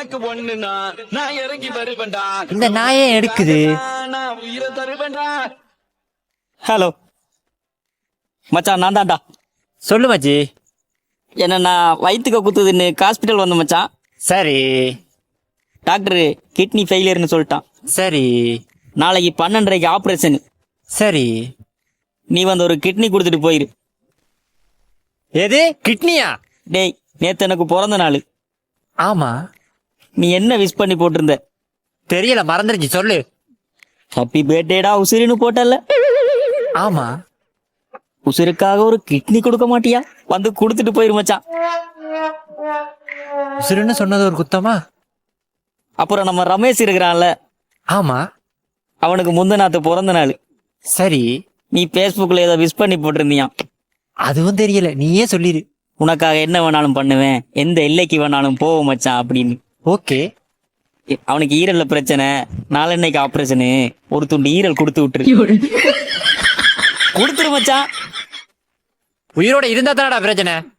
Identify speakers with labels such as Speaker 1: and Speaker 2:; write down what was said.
Speaker 1: உனக்கு ஒண்ணுனா நான் இறங்கி வருவேன்டா.
Speaker 2: இந்த நாயே எடுக்குது.
Speaker 1: நான் உயிரை தருவேன்டா.
Speaker 3: ஹலோ மச்சான், நான் தான்டா.
Speaker 2: சொல்லு மச்சி.
Speaker 3: என்னன்னா வயிற்றுக்க குத்துதுன்னு ஹாஸ்பிட்டல் வந்த மச்சான்.
Speaker 2: சரி
Speaker 3: டாக்டரு கிட்னி ஃபெயிலியர்னு சொல்லிட்டான்.
Speaker 2: சரி
Speaker 3: நாளைக்கு 12:30க்கு ஆப்ரேஷன்.
Speaker 2: சரி.
Speaker 3: நீ வந்து ஒரு கிட்னி கொடுத்துட்டு போயிரு.
Speaker 2: எது கிட்னியா?
Speaker 3: டேய், நேத்து எனக்கு பிறந்த நாள்.
Speaker 2: ஆமா.
Speaker 3: நீ என்ன விஷ் பண்ணி போட்டிருந்த?
Speaker 2: தெரியல, மறந்துருச்சு. சொல்லு.
Speaker 3: ஹாப்பி பர்த்டேடா உசிரின்னு போட்டல.
Speaker 2: ஆமா.
Speaker 3: உசிருக்காக ஒரு கிட்னி கொடுக்க மாட்டியா? வந்து கொடுத்துட்டு போயிரு மச்சான்.
Speaker 2: உசுருன்னு சொன்னது ஒரு குத்தமா?
Speaker 3: அப்புறம் நம்ம ரமேஷ் இருக்கிறான்ல,
Speaker 2: ஆமா.
Speaker 3: அவனுக்கு முந்தநாத்து பிறந்த நாள்.
Speaker 2: சரி.
Speaker 3: நீ Facebookல ஏதோ விஷ் பண்ணி போட்டிருந்தியான்.
Speaker 2: அதுவும் தெரியல, நீயே சொல்லிரு.
Speaker 3: உனக்காக என்ன வேணாலும் பண்ணுவேன், எந்த எல்லைக்கு வேணாலும் போவோம் மச்சான் அப்படின்னு.
Speaker 2: ஓகே.
Speaker 3: அவனுக்கு ஈரல்ல பிரச்சனை, நாளன்னைக்கு ஆப்ரேஷனு. ஒரு துண்டு ஈரல் கொடுத்து விட்டுரு. கொடுத்துரு மச்சான்.
Speaker 2: உயிரோட இருந்தா தானடா பிரச்சனை.